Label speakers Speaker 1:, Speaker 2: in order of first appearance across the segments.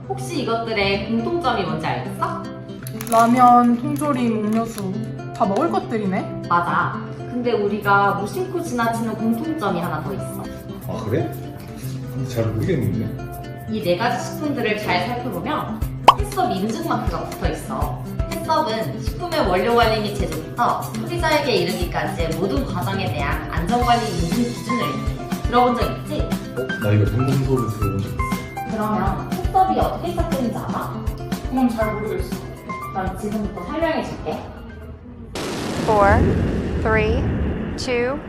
Speaker 1: 혹시 이것들의 공통점이 뭔지 알겠어?
Speaker 2: 라면, 통조림, 음료수 다 먹을 것들이네?
Speaker 1: 맞아. 근데 우리가 무심코 지나치는 공통점이 하나 더 있어.
Speaker 3: 아 그래? 근데 잘 모르겠는데.
Speaker 1: 이 네 가지 식품들을 잘 살펴보면 햇섭 인증 마크가 붙어 있어. 햇섭은 식품의 원료 관리 및 제조부터 소비자에게 이르기까지의 모든 과정에 대한 안전관리 인증 기준을 들어본 적 있지?
Speaker 3: 나 이거 동공소를 들어본 적 있어.
Speaker 1: 그러면 햇섭이 어떻게 시작되는지 알아?
Speaker 2: 그건 잘 모르겠어.
Speaker 1: 그럼 지금부터 설명해 줄게.
Speaker 4: 4, 3, 2, 1.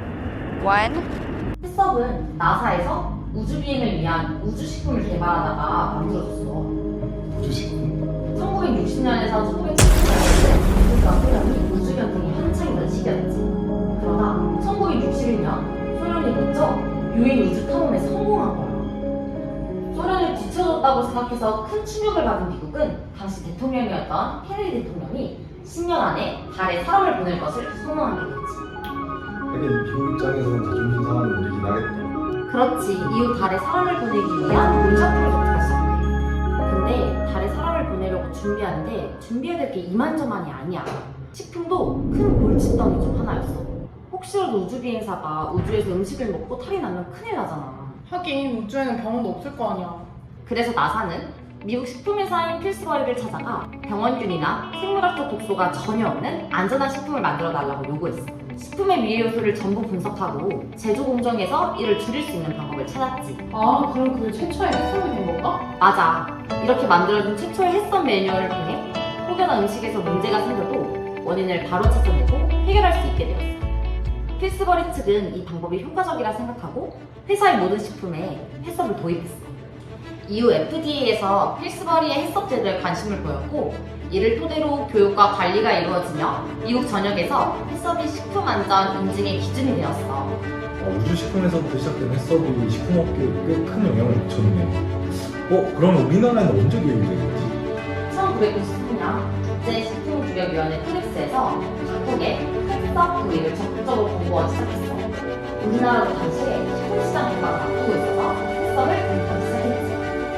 Speaker 1: 햇섭은 나사에서 우주비행을 위한 우주식품을 개발하다가 만들어졌어.
Speaker 3: 우주식품?
Speaker 1: 1960년에서 1970년대 미국과 소련이 우주경쟁이 한창이던 시기였지. 그러다 1961년 소련이 먼저 유인 우주 탐험에 성공한 거야. 소련을 뒤쳐졌다고 생각해서 큰 충격을 받은 미국은 당시 대통령이었던 케네디 대통령이 10년 안에 달에 사람을 보낼 것을 선언하게 됐지.
Speaker 3: 하긴 미국 입장에서는 자존심 상하는 일이긴 하겠다.
Speaker 1: 그렇지. 이후 달에 사람을 보내기 위한 문자 프로젝트가 시작돼. 근데 달에 사람을 보내려고 준비하는데 준비해야 될 게 이만저만이 아니야. 식품도 큰 골칫덩이 중 하나였어. 혹시라도 우주비행사가 우주에서 음식을 먹고 탈이 나면 큰일 나잖아.
Speaker 2: 하긴 우주에는 병원도 없을 거 아니야.
Speaker 1: 그래서 나사는 미국 식품회사인 필스버리를 찾아가 병원균이나 생물학적 독소가 전혀 없는 안전한 식품을 만들어 달라고 요구했어. 식품의 미해 요소를 전부 분석하고 제조 공정에서 이를 줄일 수 있는 방법을 찾았지.
Speaker 2: 아, 그럼 그게 최초의 햇섭이 된 건가?
Speaker 1: 맞아. 이렇게 만들어진 최초의 햇섭 매뉴얼을 통해 혹여나 음식에서 문제가 생겨도 원인을 바로 찾아내고 해결할 수 있게 되었어. 필스버리 측은 이 방법이 효과적이라 생각하고 회사의 모든 식품에 햇섭을 도입했어. 이후 FDA에서 필스버리의 햇섭 제도에 관심을 보였고 이를 토대로 교육과 관리가 이루어지며 미국 전역에서 햇섭이 식품 안전 인증의 기준이 되었어.
Speaker 3: 우주식품에서부터 시작된 햇섭이 식품업계에 꽤 큰 영향을 미쳤네. 그러면 우리나라에는 언제 도입이 된 거지?
Speaker 1: 1999년 국제식품규격위원회 플렉스에서 각국의 햇섭 도입을 적극적으로 공고하기 시작했어. 우리나라도 당시에 식품시장 문화가 바뀌고 있어서 햇섭을 도입하기 시작했지.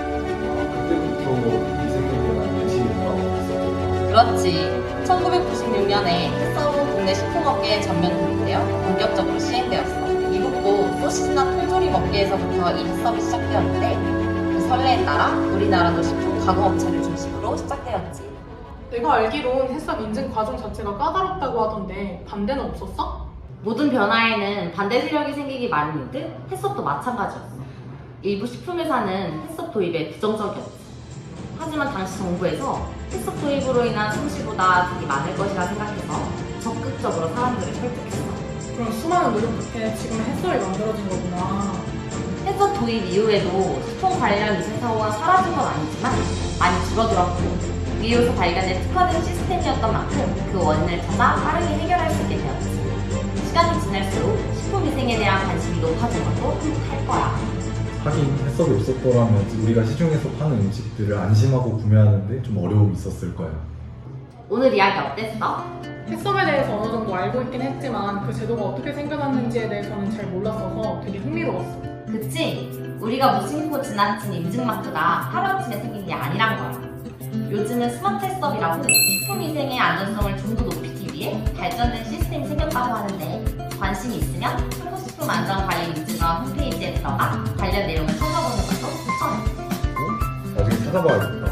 Speaker 3: 그때부터 미생물에 대한 관심이 나왔어.
Speaker 1: 그렇지. 1996년에 햇섭은 국내 식품업계에 전면 도입되어 본격적으로 시행되었어. 미국도 소시지나 통조림 업계에서부터 이 햇섭이 시작되었는데 그 선례에 따라 우리나라도 식품 가공업체를 중심으로 시작되었지.
Speaker 2: 내가 알기론 햇섭 인증 과정 자체가 까다롭다고 하던데 반대는 없었어?
Speaker 1: 모든 변화에는 반대 세력이 생기기 마련이듯 햇섭도 마찬가지였어. 일부 식품회사는 햇섭 도입에 부정적이었지. 하지만 당시 정부에서 햇섭 도입으로 인한 손실보다 득이 많을 것이라 생각해서 적극적으로 사람들을 설득했어.
Speaker 2: 그럼 수많은 노력 끝에 지금 햇섭이 만들어진 거구나.
Speaker 1: 햇섭 도입 이후에도 식품 관련 위생 사고가 사라진 건 아니지만 많이 줄어들었고 위요소 발견에 특화된 시스템이었던 만큼 그 원인을 찾아 빠르게 해결할 수 있게 되었지. 시간이 지날수록 식품 위생에 대한 관심이 높아진 것도 함께할 거야.
Speaker 3: 하긴 햇섭이 없었더라면 우리가 시중에서 파는 음식들을 안심하고 구매하는데 좀 어려움이 있었을 거야.
Speaker 1: 오늘 이야기 어땠어?
Speaker 2: 햇섭에 대해서 어느 정도 알고 있긴 했지만 그 제도가 어떻게 생겨났는지에 대해서는 잘 몰랐어서 되게 흥미로웠어.
Speaker 1: 그치? 우리가 무심코 지나친 인증 마크가 하루아침에 생긴 게 아니란 거야. 요즘은 스마트 햇섭이라고 식품 위생의 안전성을 좀 더 높이기 위해 발전된 시스템이 생겼다고 하는데 관심이 있으면 한국식품안전관리인증원 홈페이지에 들어가 관련 내용을 찾아보는 것도 추천해.
Speaker 3: 나중에 찾아봐야겠다.